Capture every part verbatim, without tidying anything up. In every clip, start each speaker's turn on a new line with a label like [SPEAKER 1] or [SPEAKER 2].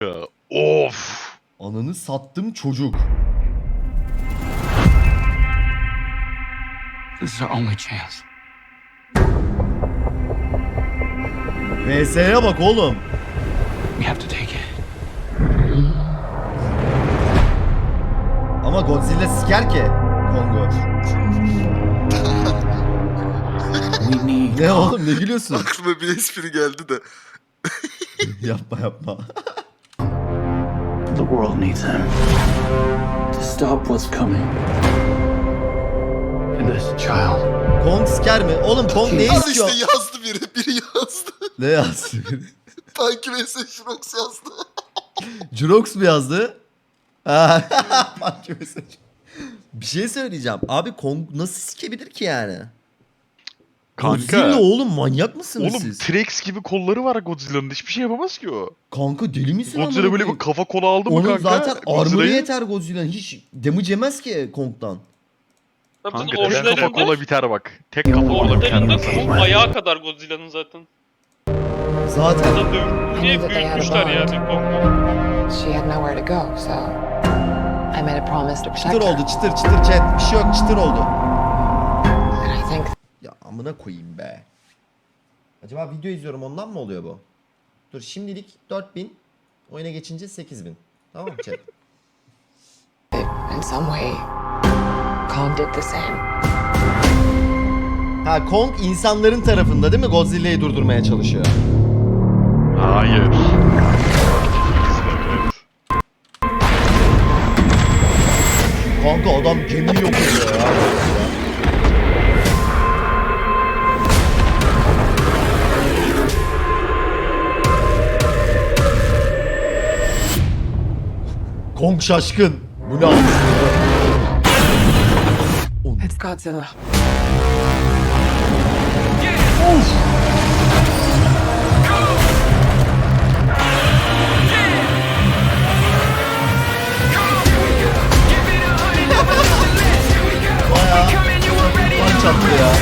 [SPEAKER 1] Of.
[SPEAKER 2] Ananı sattım çocuk.
[SPEAKER 3] This is our only chance.
[SPEAKER 2] V S'ye bak oğlum.
[SPEAKER 3] We have to take it.
[SPEAKER 2] Ama Godzilla siker ki Kong'u.
[SPEAKER 3] We need.
[SPEAKER 2] Ne oğlum ne gülüyorsun?
[SPEAKER 4] Aklıma bir espri geldi de.
[SPEAKER 2] Yapma yapma.
[SPEAKER 3] The world needs him to stop what's coming. And this child.
[SPEAKER 2] Kong siker mi? Oğlum Kong ne
[SPEAKER 4] Al
[SPEAKER 2] istiyor?
[SPEAKER 4] işte yazdı biri. Biri yazdı.
[SPEAKER 2] Ne yazdı?
[SPEAKER 4] Punky vs. Shrox yazdı.
[SPEAKER 2] Jurox mu yazdı? Ha, Punky mesaj. Bir şey söyleyeceğim. Abi Kong nasıl sikebilir ki yani? Godzilla
[SPEAKER 1] Kanka.
[SPEAKER 2] oğlum manyak mısınız
[SPEAKER 1] Oğlum
[SPEAKER 2] siz?
[SPEAKER 1] T-Rex gibi kolları var Godzilla'nın. Hiçbir şey yapamaz ki o.
[SPEAKER 2] Kanka deli misin
[SPEAKER 1] Godzilla
[SPEAKER 2] amına
[SPEAKER 1] böyle bir
[SPEAKER 2] koyayım?
[SPEAKER 1] kafa kola aldı mı
[SPEAKER 2] Onun
[SPEAKER 1] kanka?
[SPEAKER 2] zaten armor'ı
[SPEAKER 1] Godzilla'yı?
[SPEAKER 2] yeter Godzilla'nın. Hiç damage yemez ki Kong'dan.
[SPEAKER 1] Kanka
[SPEAKER 5] Zaten
[SPEAKER 1] tek kafa
[SPEAKER 5] orijinalinde,
[SPEAKER 1] kola biter bak. Tek kafa kola biter.
[SPEAKER 5] orijinalinde kol ayağı kadar Godzilla'nın zaten.
[SPEAKER 2] Zaten.
[SPEAKER 5] Zaten dövüp diye büyütmüşler yani Kong'u.
[SPEAKER 6] She had nowhere to go, so I made a promise to protect
[SPEAKER 2] Çıtır
[SPEAKER 6] her.
[SPEAKER 2] oldu çıtır çıtır chat. Bir şey yok çıtır oldu.
[SPEAKER 6] And I think
[SPEAKER 2] Ya amına koyayım be. Acaba video izliyorum ondan mı oluyor bu? Dur şimdilik dört bin. Oyuna geçince sekiz bin. Tamam mı chat?
[SPEAKER 6] that in some way, Kong did the same.
[SPEAKER 2] Ha Kong insanların tarafında değil mi? Godzilla'yı durdurmaya çalışıyor.
[SPEAKER 1] Hayır.
[SPEAKER 2] Kanka adam gemiyi yok ediyor ya. Kong şaşkın. Bu ne aslında?
[SPEAKER 6] It's Godzilla.
[SPEAKER 2] Punch attı ya.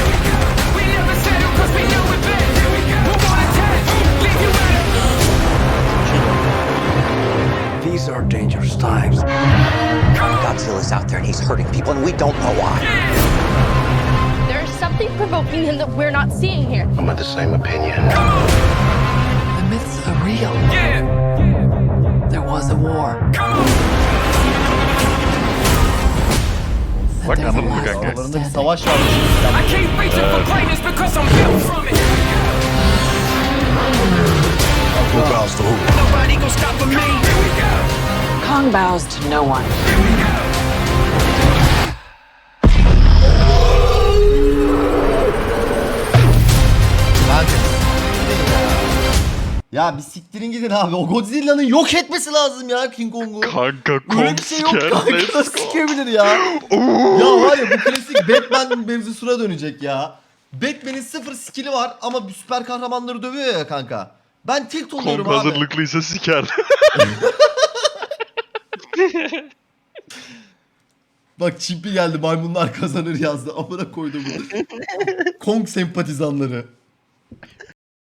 [SPEAKER 3] These are dangerous times.
[SPEAKER 7] Godzilla's out there and he's hurting people and we don't know why.
[SPEAKER 8] There's something provoking him that we're not seeing here.
[SPEAKER 9] I'm of the same opinion.
[SPEAKER 6] The myths are real. There was a war. And
[SPEAKER 1] Bak
[SPEAKER 6] there's a
[SPEAKER 1] anladın mı
[SPEAKER 6] last
[SPEAKER 1] kanka?
[SPEAKER 6] one
[SPEAKER 2] Aralarında bir
[SPEAKER 6] standing.
[SPEAKER 2] savaş varmış.
[SPEAKER 9] Who bows to who?
[SPEAKER 6] Kong bows to no one.
[SPEAKER 2] Ya bir siktirin gidin abi. O Godzilla'nın yok etmesi lazım ya King Kong'u.
[SPEAKER 1] Kanka
[SPEAKER 2] Öyle
[SPEAKER 1] Kong
[SPEAKER 2] bir şey yok
[SPEAKER 1] siker.
[SPEAKER 2] kanka.
[SPEAKER 1] Let's
[SPEAKER 2] Nasıl
[SPEAKER 1] go.
[SPEAKER 2] sikebilir ya? Ya var ya bu klasik Batman mevzusuna dönecek ya. Batman'in sıfır skill'i var ama süper kahramanları dövüyor ya kanka. Ben tilt oluyorum
[SPEAKER 1] Kong
[SPEAKER 2] abi.
[SPEAKER 1] hazırlıklıysa siker.
[SPEAKER 2] Bak Çimpi geldi maymunlar kazanır yazdı. Amına koydum bunu. Kong sempatizanları.